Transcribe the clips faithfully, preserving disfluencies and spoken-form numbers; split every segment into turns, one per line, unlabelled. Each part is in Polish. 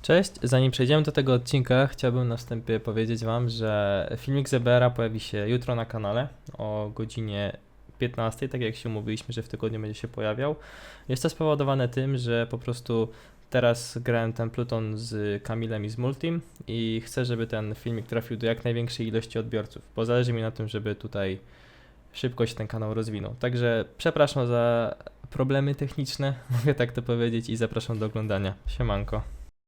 Cześć, zanim przejdziemy do tego odcinka, chciałbym na wstępie powiedzieć wam, że filmik z E B R a pojawi się jutro na kanale o godzinie piętnastej, tak jak się umówiliśmy, że w tygodniu będzie się pojawiał. Jest to spowodowane tym, że po prostu teraz grałem ten Pluton z Kamilem i z Multim i chcę, żeby ten filmik trafił do jak największej ilości odbiorców, bo zależy mi na tym, żeby tutaj szybko się ten kanał rozwinął. Także przepraszam za problemy techniczne, mogę tak to powiedzieć, i zapraszam do oglądania. Siemanko.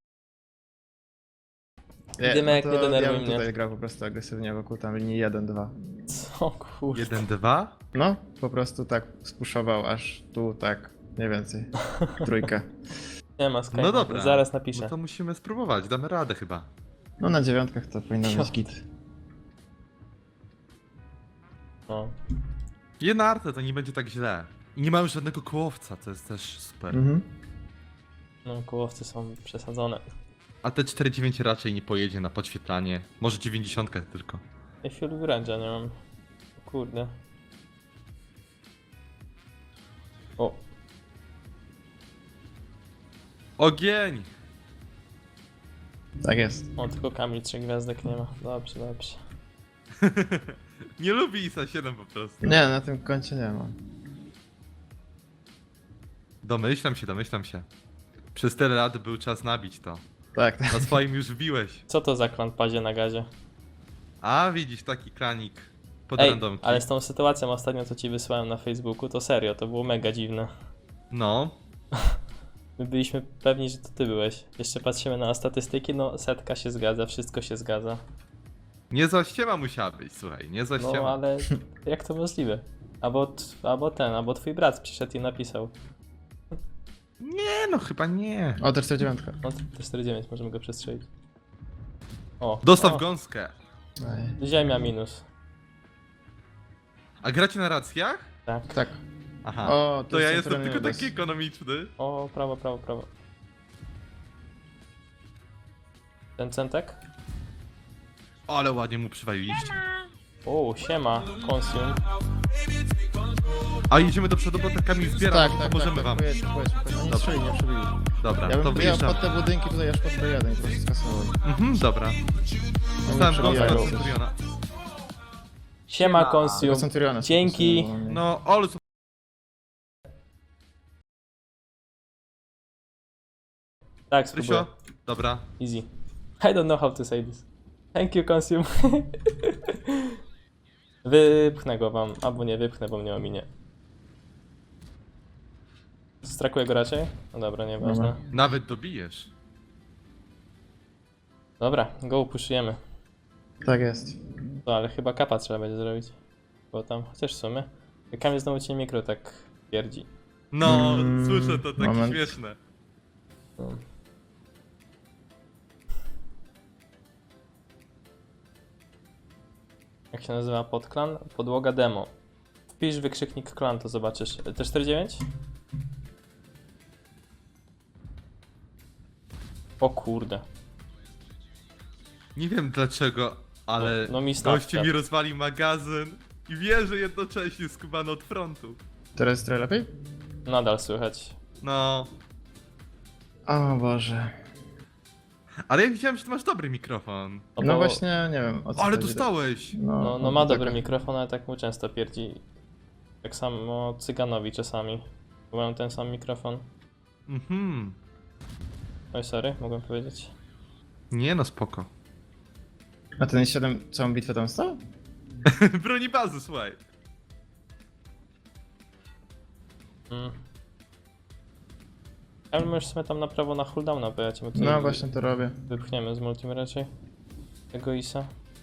Nie,
Dymek,
no
nie
to
denerwuj
ja bym
mnie.
tutaj grał po prostu agresywnie wokół tam linii jeden dwa.
Co kurde.
jeden dwa?
No, po prostu tak spuszował aż tu, tak, nie więcej. Trójkę.
Nie ma Skype'a,
No dobra.
zaraz napiszę.
No to musimy spróbować, damy radę chyba.
No na dziewiątkach to powinno być
Piotr.
git.
No.
Jedna arta to nie będzie tak źle. I nie mamy żadnego kołowca, to jest też super.
Mhm.
No, kołowce są przesadzone.
A T czterdzieści dziewięć raczej nie pojedzie na podświetlanie. Może dziewięćdziesiąt tylko.
Ja fuel wręcza nie mam. O kurde. O,
Ogień!
Tak jest.
o, tylko Kamil trzech gwiazdek nie ma. Dobrze, dobrze.
Nie lubi I S A siedem po prostu.
Nie, na tym koncie nie ma.
Domyślam się, domyślam się. Przez tyle lat był czas nabić to.
Tak, tak.
Na swoim już wbiłeś.
Co to za klan pazie na gazie?
A widzisz, taki kranik pod
Ej,
randomki.
ale z tą sytuacją ostatnio, co ci wysłałem na Facebooku, to serio, to było mega dziwne.
No.
My byliśmy pewni, że to ty byłeś. Jeszcze patrzymy na statystyki, no setka się zgadza, wszystko się zgadza.
Niezła ściema musiała być, słuchaj, niezła ściema.
No ale jak to możliwe? Albo, t- albo ten, albo twój brat przyszedł i napisał.
Nie no, chyba nie.
O, też to dziewiątka.
No to czterdzieści dziewięć, możemy go przestrzelić. O,
Dostaw
o,
gąskę.
Ej.
Ziemia minus.
A gracie na racjach?
Tak.
Tak.
Aha.
O,
to ja
jest
jestem
centralny
tylko
udes.
taki ekonomiczny.
O, prawo, prawo, prawo. Ten centek?
Ale ładnie mu przywaliliście.
O, siema, consume.
A idziemy do przodu, bo ta Kamil zbiera,
Tak,
no,
tak,
pomożemy
tak,
wam.
pojedź, pojedź, pojedź. Nie
Dobra.
strzeli, nie przebili.
Dobra,
Ja
to
bym wyjechał
wyjeżdżam.
pod te budynki tutaj aż pod B jeden i po prostu skasował.
Mhm, dobra.
No
Dostałem
nie
gąskę
przebijają.
od Centuriona.
Siema,
Tego
consume.
Centuriona się
Dzięki.
posunęło, nie?
No, ale co...
Tak, spróbuję.
Rysio? Dobra.
Easy. I don't know how to say this. Thank you, consume. Wypchnę go wam, albo nie wypchnę, bo mnie ominie. Strakuję go raczej? No dobra, nieważne.
Dobra.
Nawet dobijesz.
Dobra, go puszujemy.
Tak jest.
No ale chyba kapa trzeba będzie zrobić. Bo tam, chociaż w sumie. Kamil znowu ci mikro tak pierdzi.
No,
Mm,
słyszę to, takie
moment.
śmieszne.
No. Jak się nazywa podklan? Podłoga demo. Wpisz wykrzyknik klan, to zobaczysz. T czterdzieści dziewięć? O kurde.
Nie wiem dlaczego, ale
No, no mi stawka.
gościu mi rozwalił magazyn i wie, że jednocześnie skubany od frontu.
Teraz jest trochę lepiej?
Nadal słychać.
No,
O Boże.
ale ja widziałem, że ty masz dobry mikrofon.
No,
No
bo-
właśnie, nie wiem o co
Ale
chodzi.
dostałeś!
No,
No, no ma
tak.
dobry mikrofon, ale tak mu często pierdzi. Tak samo Cyganowi czasami. Bo mają ten sam mikrofon.
Mhm.
Oj, sorry, mogłem powiedzieć.
Nie no, spoko.
A ten siedem całą bitwę tam stał?
Broni bazy, słuchaj.
Mm. Ale możesz sobie tam na prawo na cooldowna, bo ja cię tutaj
No właśnie to robię.
wypchniemy z multim raczej. Tego Isa.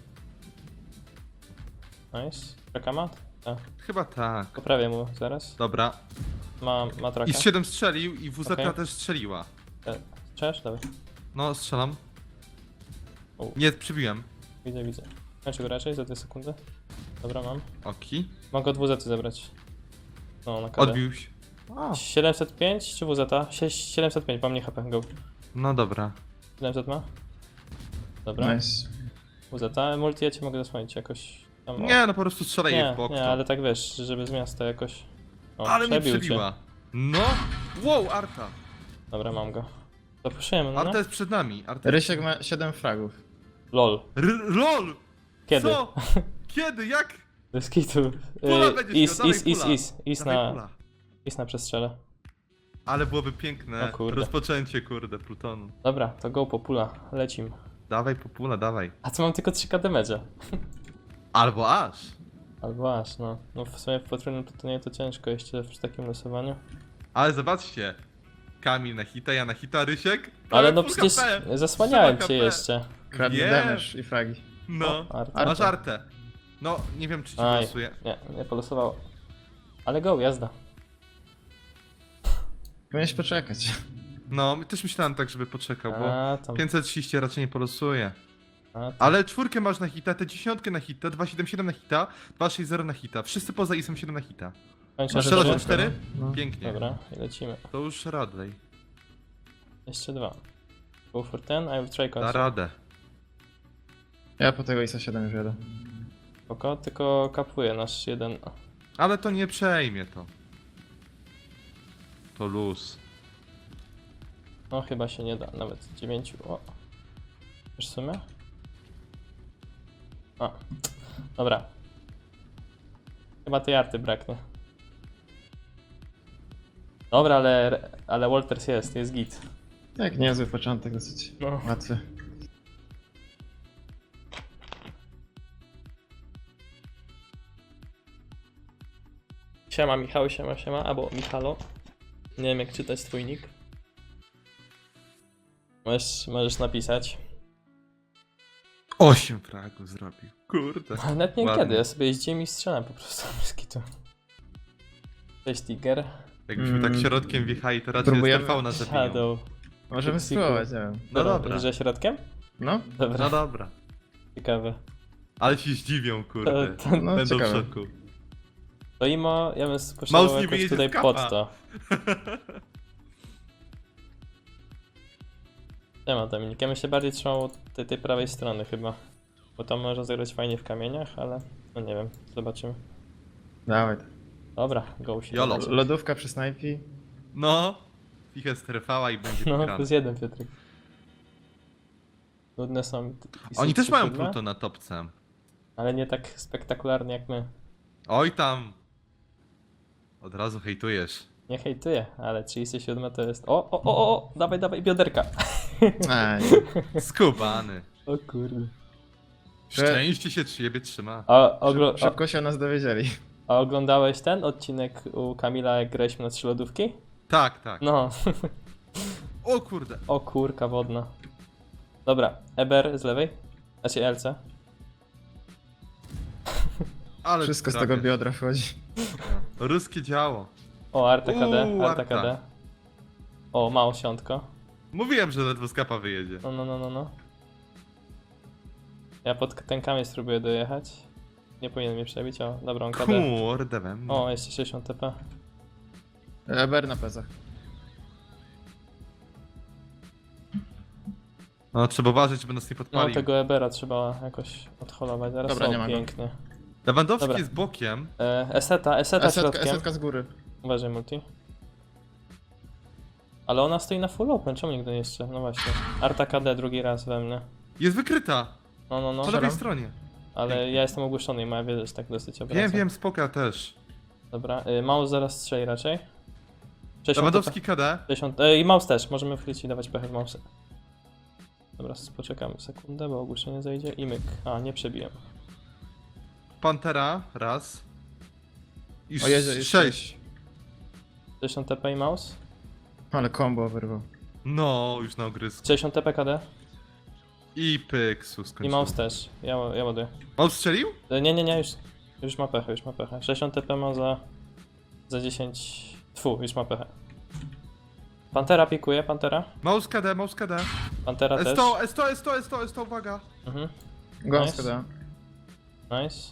Nice. Traka ma? Tak.
Chyba tak.
Poprawię mu zaraz.
Dobra.
Ma, ma traka.
I z siedem strzelił i W Z
Okej.
też strzeliła.
E, Strzelasz? Dobra.
No, strzelam.
U.
Nie, przybiłem.
Widzę, widzę. Kończę go raczej za dwie sekundy. Dobra, mam.
Oki.
Mogę od W Z zabrać. No, na kadę.
Odbił się. O,
siedemset pięć czy W Z? Sie- siedemset pięć, mam nie H P, go.
no dobra.
siedemset ma? Dobra.
Nice.
W Z, multi ja cię mogę zasłonić jakoś. Tam, o.
Nie, no po prostu strzelaj jej
nie,
w bok.
nie,
to.
ale tak wiesz, żeby z miasta jakoś. O,
Ale mnie
przebił cię.
przebiła. No! Wow, Arta!
Dobra, mam go. To puszujemy, no?
Arta jest przed nami. Arta jest...
Rysiek ma siedem fragów.
Lol.
R LOL!
Kiedy?
Co? Kiedy? Jak?
Bez kitu.
Pula
Y,
będziesz
Is,
miał,
is,
dawaj
is,
pula.
is, is
Dawaj
na,
pula.
is na przestrzele.
Ale byłoby piękne
O kurde.
rozpoczęcie, kurde, Plutonu.
Dobra, to go po pula, lecim.
Dawaj po pula, dawaj.
A co mam tylko trzy K damage'a?
Albo aż.
Albo aż, no. No w sumie w potrójnym plutonie to ciężko jeszcze przy takim losowaniu.
Ale zobaczcie. Kamil na hita, ja na hita, Rysiek.
Ale
Prawie
no
full
przecież
H P.
zasłaniałem
Trzyma
cię
H P.
jeszcze.
Kradnie
Wiem.
damage i fragi.
No.
O, Arta.
Arta.
Masz artę. No, nie wiem czy ci
Aj,
losuje.
nie, nie polosowało. Ale go, jazda.
Powinieneś poczekać.
No, też myślałem tak, żeby poczekał, bo
A, tam.
pięćset trzydzieści raczej nie polosuje.
A, tam.
Ale czwórkę masz na hita, te dziesiątkę na hita, dwieście siedemdziesiąt siedem na hita, dwieście sześćdziesiąt zero na hita. Wszyscy poza isem siedem na hita.
Kończę,
Masz
że
strzelasz
trzy?
na cztery?
No.
Pięknie.
Dobra, i lecimy.
To już Radley.
Jeszcze dwa. Go for ten, I will try
Da
concept.
radę.
Ja po tego isa siedem już jadę.
Spoko, tylko kapuje nasz jeden.
Ale to nie przejmie to. To luz.
No chyba się nie da, nawet dziewięciu. O. Już w sumie? A. Dobra. Chyba tej arty braknie. Dobra, ale, ale Walters jest, jest git.
Tak, niezły początek, dosyć
No.
łatwy.
Siema Michał, siema, siema, albo Michalo. Nie wiem jak czytać twój nick. Możesz, możesz napisać.
Osiem fragów zrobił. Kurde.
Ale nawet nie
Ładnie.
kiedy, ja sobie jeździłem i strzelam po prostu bez kitu. Cześć Tiger.
Jakbyśmy tak
Mm.
środkiem wjechali, to raczej
Próbujemy?
S T V nas zabiją.
Shadow.
Możemy
Kuksiku.
spróbować, nie wiem.
No dobra.
Że środkiem?
No,
Dobra,
No dobra.
ciekawe.
Ale się zdziwią,
To,
kurde.
to,
no
Będą w
ciekawe.
szoku.
to imo, ja bym spuszczał
Mouse nie
jakoś
wyjedzie
tutaj
z kapa.
pod to. Nie ma Dominik, ja bym się bardziej trzymał tej, tej prawej strony chyba. Bo tam można zagrać fajnie w kamieniach, ale no nie wiem, zobaczymy.
Dawaj.
Dobra, go się.
Jolo.
zobaczy.
Lodówka przy snajpi.
No. Fichę strefała i będzie
No,
wygrana.
plus jeden Piotrek. Nudne są. i są
Oni też
trzy
mają
siódme,
Pluton na topce.
ale nie tak spektakularnie jak my.
Oj tam. Od razu hejtujesz.
Nie hejtuję, ale trzydzieści siedem to jest. O, o, o, o, dawaj, dawaj, bioderka.
Aj.
Skubany.
O kurde.
Szczęście się ciebie trzyma.
A, oglo-
Szyb, szybko się o nas dowiedzieli.
a oglądałeś ten odcinek u Kamila, jak graliśmy na trzy lodówki?
Tak, tak.
No.
O kurde.
O kurka wodna. Dobra, Eber z lewej. Znaczy L C.
Ale
Wszystko z
trafię.
tego biodra wchodzi.
Ruskie działo.
O, Arta K D,
Uuu,
Arta
Arta.
K D. O, mało siątko.
Mówiłem, że ledwo z kapa wyjedzie.
No, no, no, no, no. Ja pod ten kamień spróbuję dojechać. Nie powinien mnie przebić, o, dobra, on K D.
Kurde we mnie.
O, jeszcze sześćdziesiąt T P.
Eber na pezach.
No trzeba uważać, żeby nas nie
No,
podpalił.
tego Ebera trzeba jakoś odholować. Zaraz
Dobra,
o,
nie ma go.
piękny.
Lewandowski
Dobra.
jest bokiem.
E, Eseta, Eseta
Esetka,
środkiem.
esetka z góry.
Uważaj, multi. Ale ona stoi na full open, czemu nigdy nie jeszcze? No właśnie. Arta K D drugi raz we mnie.
Jest wykryta.
No, no, no.
Po lewej
Strzelam.
stronie.
Ale ja jestem ogłuszony i moja wiedza się tak dosyć obraca.
Wiem, wiem, spoka też.
Dobra, y, mouse zaraz strzeli raczej. sześćdziesiąt
Lewandowski K D.
sześćdziesiąt, y, i mouse też, możemy wchwycić i dawać pechę w mouse. Dobra, poczekamy sekundę, bo ogłuszenie zajdzie i myk. A, nie przebiłem.
Pantera. Raz. I
O Jezu, jest
sześć.
sześćdziesiąt T P i mouse.
Ale combo wyrwał.
No, już na ogrysku.
sześćdziesiąt T P K D
I pyksu
i
skończył.
mouse też. Ja, ja ładuję.
Mouse strzelił?
Y, nie, nie, nie, już, już ma pechę, już ma pechę. sześćdziesiąt T P ma za, za dziesięć... Tfu, już ma pechę. Pantera pikuje, Pantera.
Mouse K D, mouse K D.
Pantera
S
też.
sto, S sto, S sto, S sto, S sto, uwaga.
Mhm,
Gąska
Nice.
da.
nice.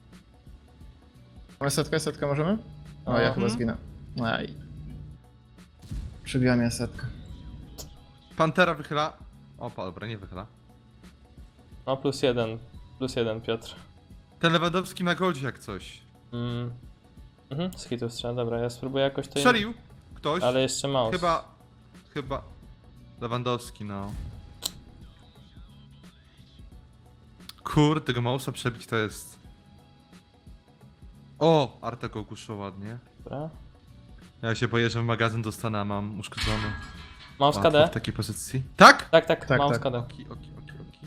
Esetka, esetka możemy? O, ja
Mhm.
chyba zginę. Aj. Przybiła mnie esetka.
Pantera wychyla. Opa, dobra, nie wychyla.
No plus jeden, plus jeden Piotr.
Ten Lewandowski na goldzie jak coś.
Mm. Mhm, z hitów strzela, dobra, ja spróbuję jakoś to...
Strzelił? Ktoś?
Ale jeszcze mouse.
Chyba... Chyba... Lewandowski, no. Kurde, tego mausa przebić to jest... O! Arta go ogłuszył ładnie.
Dobra.
Ja się boję, że w magazyn dostanę, a mam uszkodzony.
Mouse
Łatwo
K D?
w takiej pozycji. Tak?
Tak, tak,
Tak,
mouse
tak.
K D.
Oki, oki, oki, oki.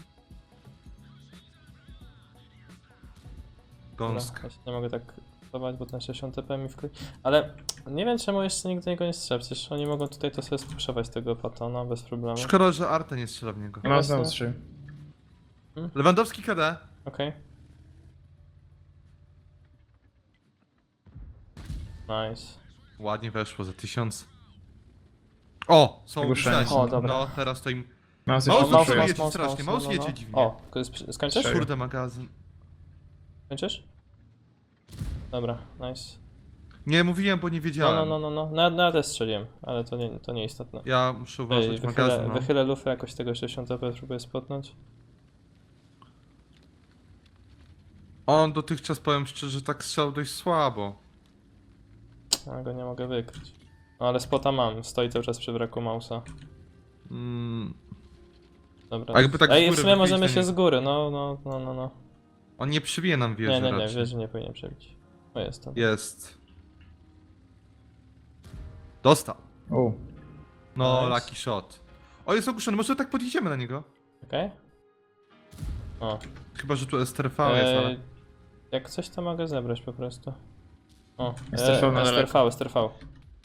Dobra,
Gąska.
ja się nie mogę tak budować, bo ten sześćdziesiąt T P mi wkrój... Ale nie wiem czemu jeszcze nikt do niego nie strzela, przecież oni mogą tutaj to sobie spuszować tego Patona bez problemu.
Szkoda, że Arta nie strzela w niego.
Mam znowu trzy.
Lewandowski K D.
Okej. Nice.
Ładnie weszło za tysiąc. O! Są
Ogłuszenie.
ogłuszeni.
O, dobra.
No, teraz to im...
Mouse
Maus
jeszcze
mouse
trzy.
jedzie strasznie, mouse jedzie dziwnie.
O, to jest przy- skończysz?
Strzelił.
Kurde, magazyn.
Skończysz? Dobra, nice.
Nie, mówiłem, bo nie
No,
wiedziałem.
no, no, no, no. Na, na też strzeliłem, ale to nie, to nieistotne.
Ja muszę
Ej,
uważać
wychylę,
magazyn, no.
wychylę lufę jakoś tego sześćdziesiąt T P, próbuję spotnąć.
On dotychczas, powiem szczerze, tak strzelał dość słabo.
Ja go nie mogę wykryć. No ale spota mam, stoi cały czas przy braku mausa.
Mm,
Dobra.
A jakby tak z
Ej, w
góry
sumie
wychylić,
możemy
to
się
nie-
z góry, no, no, no, no, no.
on nie przybije nam wieży
Nie, nie, nie,
raczej.
wieży nie powinien przebić. O, jestem.
Jest. Dostał.
U.
No,
Nice.
lucky shot. O, jest ogłuszony, może tak podjedziemy na niego?
Okej? O.
Chyba, że tu S T R V jest, ale...
Ej, jak coś to mogę zebrać po prostu. O,
S T R V na
e, S T R V,
daleko.
S T R V.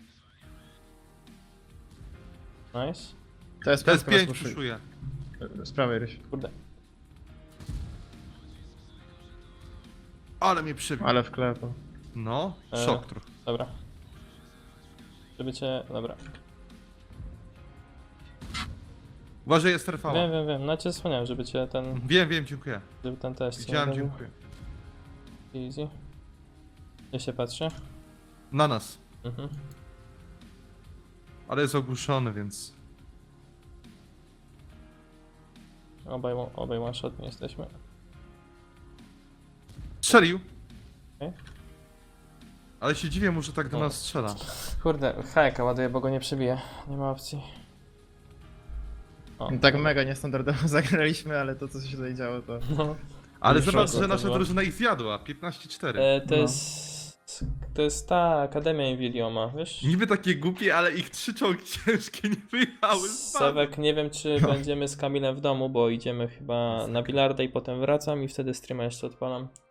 Nice.
To jest
To jest
pięć,
pięć, puszuje.
Z prawej ryś.
Kurde.
Ale mnie przybił.
Ale wklepał.
No,
E.
szok trochę.
Dobra. Żeby cię... Dobra.
Uważaj, S T R V.
Wiem, wiem, wiem. No cię zasłaniałem, żeby cię ten...
Wiem, wiem, dziękuję.
Żeby ten test nie
Widziałem,
zrobił.
dziękuję.
Easy. Gdzie się patrzy?
Na nas.
Mhm.
Ale jest ogłuszony, więc...
Obaj, obaj one shot nie jesteśmy.
Strzelił.
Okej.
Ale się dziwię mu, że tak do
O.
nas strzela.
Kurde, hajka ładuję, bo go nie przebije. Nie ma opcji. O,
Tak mega niestandardowo zagraliśmy, ale to co się tutaj działo to...
no.
Ale
Już
zobacz,
szok
że
to
nasza
było.
drużyna ich zjadła. piętnaście cztery.
E, to
No.
jest... To jest ta Akademia Invilioma, wiesz?
Niby takie głupie, ale ich trzy czołgi ciężkie nie wyjechały.
Sewek, nie wiem czy będziemy z Kamilem w domu, bo idziemy chyba na bilarda i potem wracam i wtedy streama jeszcze odpalam.